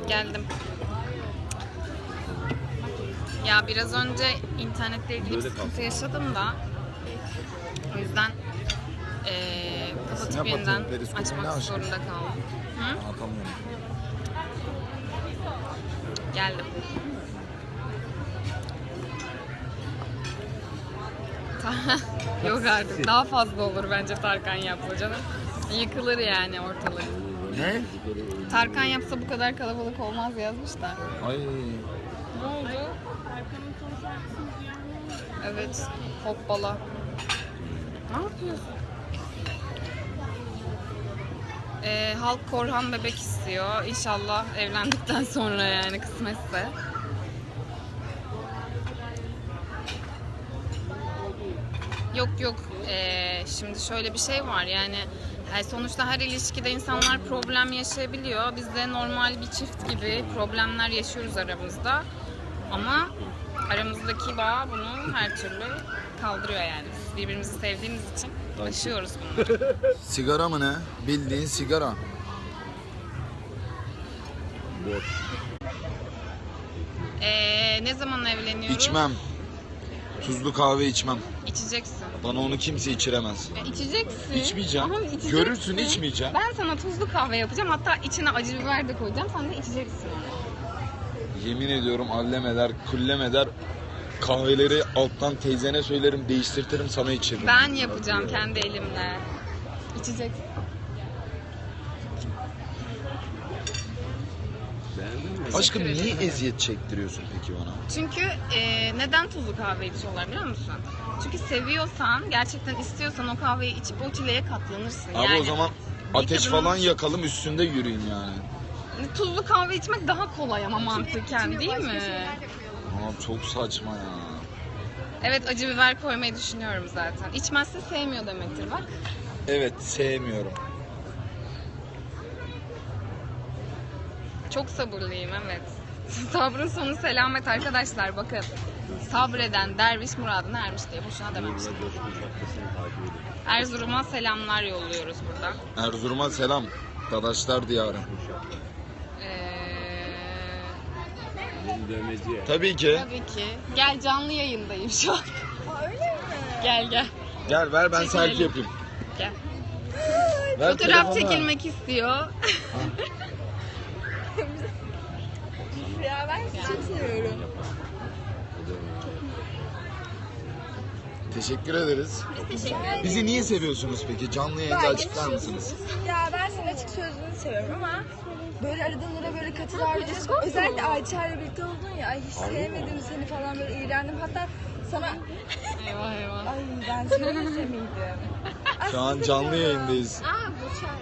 Geldim. Ya biraz önce internetle ilgili bir sıkıntı yaşadım da o yüzden kapatıp yeniden açmak zorunda kaldım. Hı? Anlatamıyorum. Geldim. Yok artık daha fazla olur bence Tarkan yapsa canım. Yıkılır yani ortalık. Ne? Tarkan yapsa bu kadar kalabalık olmaz yazmış da. Ay. Ne oldu? Evet, hoppala. Ne yapıyorsun? Halk Korhan bebek istiyor. İnşallah evlendikten sonra yani kısmetse. Yok yok. Şimdi şöyle bir şey var yani sonuçta her ilişkide insanlar problem yaşayabiliyor. Biz de normal bir çift gibi problemler yaşıyoruz aramızda. Ama aramızdaki bağ bunu her türlü kaldırıyor yani. Biz birbirimizi sevdiğimiz için aşıyoruz bunları. Sigara mı ne? Bildiğin sigara. Ne zaman evleniyoruz? İçmem. Tuzlu kahve içmem. İçeceksin. Bana onu kimse içiremez. İçeceksin. İçmeyeceğim. Ama içeceksin. Görürsün, içmeyeceğim. Ben sana tuzlu kahve yapacağım. Hatta içine acı biber de koyacağım. Sen de içeceksin onu. Yemin ediyorum allem eder, kullem eder. Kahveleri alttan teyzene söylerim, değiştirtirim, sana içiririm. Ben yapacağım kendi elimle. İçeceksin. Aşkım niye eziyet çektiriyorsun peki bana? Çünkü neden tuzlu kahve içiyorlar biliyor musun? Çünkü seviyorsan, gerçekten istiyorsan o kahveyi içip o çileye katlanırsın. Abi yani, o zaman ateş falan yakalım, üstünde yürüyün yani. Tuzlu kahve içmek daha kolay ama mantıken değil mi? Ama çok saçma ya. Evet, acı biber koymayı düşünüyorum zaten. İçmezse sevmiyor demektir bak. Evet, sevmiyorum. Çok sabırlıyım evet. Sabrın sonu selamet arkadaşlar bakın. Sabreden derviş muradına ermiş diye boşuna dememiştim. Erzurum'a selamlar yolluyoruz burada. Erzurum'a selam. Dadaşlar diyarı. Tabii ki. Tabii ki. Gel canlı yayındayım şu an. Öyle mi? Gel gel. Gel ver ben Çekilelim. selfie yapayım. Gel. Ver Fotoğraf telefonu. çekilmek istiyor. Ya ben sizi çok seviyorum. Teşekkür ederiz. Teşekkür ederim. Bizi niye seviyorsunuz peki? Canlı yayında açıklar mısınız? Ya ben senin açık sözlülüğünü seviyorum ama böyle aradığında böyle katılar. Özellikle Ayça ile birlikte oldun ya. Ay hiç sevmedim seni falan böyle iğrendim. Hatta sana Eyvah eyvah. ay ben sevmeseydim. Şu an canlı yayındayız. Aa bu çay.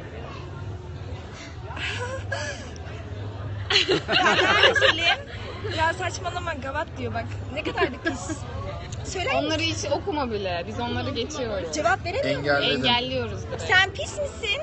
Ben söyleyeyim. Ya saçmalama gavat diyor bak. Ne kadar da pis. Söyler misin? Onları hiç okuma bile. Biz onları geçiyoruz. Cevap veremiyor musun? Engelledim. Engelliyoruz direkt. Sen pis misin?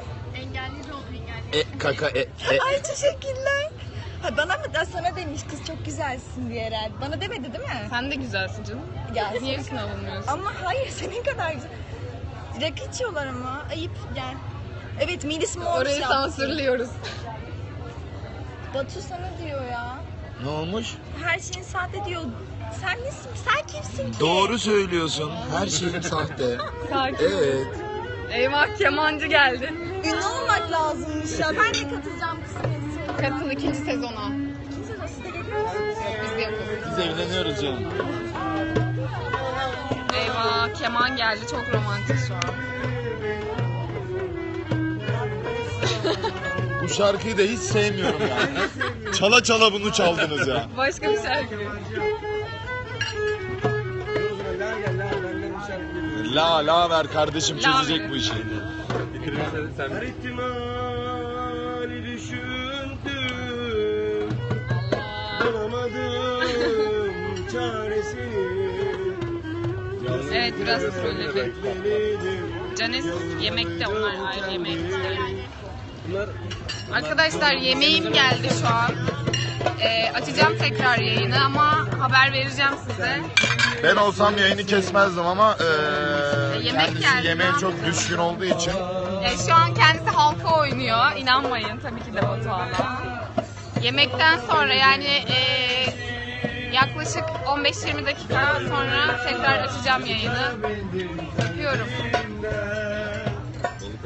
Kaka Ay teşekkürler. Ha, bana mı da sana demiş kız çok güzelsin diye herhalde. Bana demedi değil mi? Sen de güzelsin canım. Ya Niye senin üstüne kadar- alınmıyorsun? Ama hayır senin kadar güzel. Rakı içiyorlar ama ayıp gel. Evet Melis Mor Orayı yaptı. sansürlüyoruz. Batu sana diyor ya. Ne olmuş? Her şeyin sahte diyor. Sen nesin? Sen kimsin ki? Doğru söylüyorsun. Her şeyim sahte. Sakin. Evet. Eyvah kemancı geldi. Ünlü olmak lazımmış ya. Ben de katılacağım kısmetse. Katıl 2. sezona. Kimse nasıl da geliyor musunuz? Biz de yapıyoruz. Biz evleniyoruz canım. Eyvah keman geldi. Çok romantik şu an. Bu şarkıyı da hiç sevmiyorum yani. Çala çala bunu çaldınız ya. Başka bir şarkı. La ver kardeşim La çözecek ver. bu işi. Her ihtimali düşündüm, bulamadım çaresini. Evet biraz trolledim. Canes yemekte onlar ayrı yemeğe gidiyor. Bunlar Arkadaşlar yemeğim geldi şu an. Açacağım tekrar yayını ama haber vereceğim size. Ben olsam yayını kesmezdim ama Yemek kendisi geldi, yemeğe ne çok yapacağız? düşkün olduğu için Şu an kendisi halka oynuyor. İnanmayın tabii ki de Batuhan'a. Yemekten sonra yani yaklaşık 15-20 dakika sonra tekrar açacağım yayını. Öpüyorum.